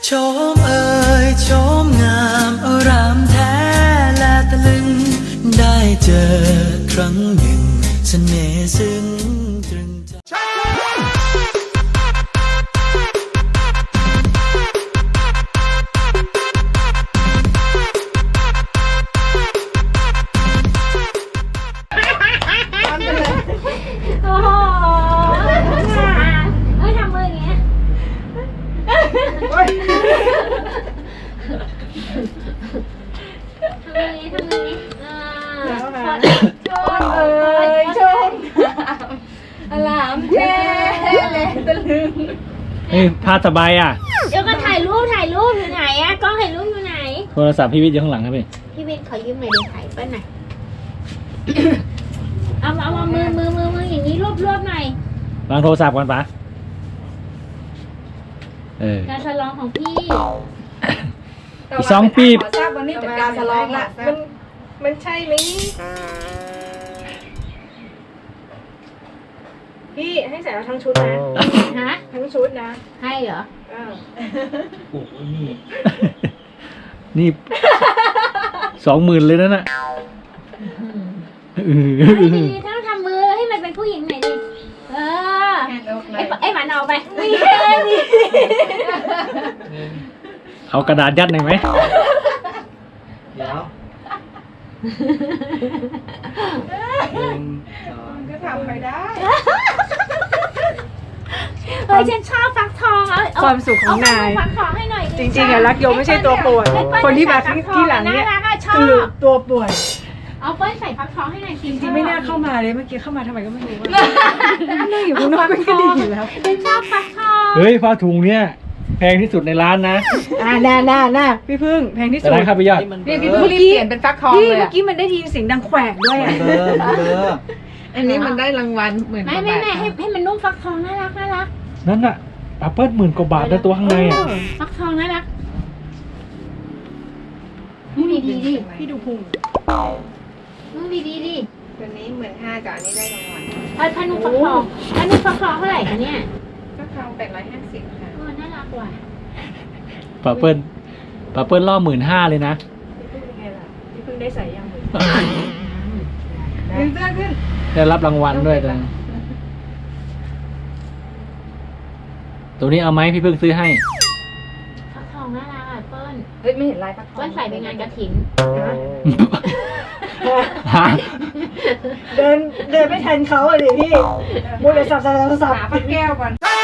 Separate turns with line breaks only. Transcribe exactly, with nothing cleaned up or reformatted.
ชมเอ่ยชมงามอารามแท้และตะลึงได้เจอครั้งหนึ่งเสน่ห์ซึ้งตรึงใจ
โอ้โหเฮ้ยทำมืออย่างเงี้ยทำมืออย่างงี้ทำมืออย่างงี้อ่าชมเอ่ยชมอลามแท้เลยตะลึง
เฮ้ยผ้าสบายอ่ะ
เดี๋ยวก็ถ่ายรูปถ่ายรูปอยู่ไหนอะกล้องถ่ายรูปอยู่ไหน
โทรศัพท์พี่วิทย์อยู่ข้างหลังครับพี่
พี่วินขอยืมหน่อยดิถ่ายเปิ้ลหน่อย เอาเอาเอามือมือมือมืออย่างนี้รวบรวบหน่อยว
างโทรศัพท์ก่อนปะเออ
การสลองของพี่
อีกสองปี
ขอทราบวันนี้จัดการสลองละมันมันใช่ไหมพี่ให้ใส่มาทั้งชุดนะ
ฮะ
ทั้งชุดนะ
ให้เหรอ
เออ
โอ้โหนี่ นี่สองหมื่นเลยนะน่ะเออ
เฮ้ยดีต้องทำมือให้มันเป็นผู้หญิงหน่อยดิเออไอ้ไอ้หมันเอาไปไม่ใช่ดิ
เอากระดาษยัดหน่อยไหม
เดี๋ยวหนึ่งสอง
ก็ทำไปได้
เฮ้ยฉันชอบฟักทองเอาเอ
ความสุขของนาย
เอฟักทองให้หน่อย
จริงๆอะรักโยมไม่ใช่ตัวป่วย
ให้เปิ้ล
คนที่มา
ใส่ฟักทอง
ที่หลังเนี่ย
ารักอะชอ
คือบ ตัวป่วย
เอาเปิ้ลใส่ฟักทองให้หน่อยสิ
จริงๆไม่น่าเข้ามาเลยเมื่อกี้เข้ามาทำไมก็ไม่รู้ว่านั่งอยู่ข้างนอกมันก็ดีอยู่แล้ว
ฉันชอบฟักทอง
เฮ้ยผ้าถุงเนี่ยแพงที่สุดในร้านนะ
อ่าน่าน่าน่าพี่พึ่งแพงที่
แต่
สุด
ร้านข้าวไปยอด
นี่พี่พึ่งรีบเปลี่ยนเป็นฟักทองเลยเมื่อกี้มันได้ยินเสียงดังแขวกด้วย
มัน
อ่ะ
เบลอมันเบลอ
อันนี้มันได้รางวัลหมื่นก
ไม่
ว่า
ไม่
บาท
ไม่ให้ให้มันนุ่มฟักทองน่ารักน่ารัก
นั่นน่ะแอปเปิ้ลหมื่นกว่าบาทนะตัวข้างในอ่ะ
ฟักทองน่ารักนุ่มดีดีดิ
พี่ดูพุง
นุ่มดีดีดิ
ตัวนี้หมื่นห้ากับอันนี้ได้รางวัล
พันพันนุ่มฟักทองพันนุ่มฟักทองเท่าไหร่คะเนี่ย
ก็ทองแปดร้อยห้าสิบค่ะ
โอ้น่ารักว่ะ
ปาเปิ้ลปาเปิ้ลล่อหมื่นห้าเลยนะ
พี่พึ่งเป็นไงล่ะพี่พึ่งได้ใส่ยังมือ
ดึงเสื้อขึ้น
ได้รับรางวัลด้วยตัวตัวนี้เอาไหมพี่เพิ่งซื้อให้
ฟักทองน่ารักอ่ะเปิ้ล
เฮ้ยไม่เห็นลายฟักทอง
เปิ้ลใส่ไปงานกระถิ่น
ฮะ
เดินเดินไม่ทันเขาเลยพี่มัวแต่สับสับสับสับ
หาพักแก้วก่อน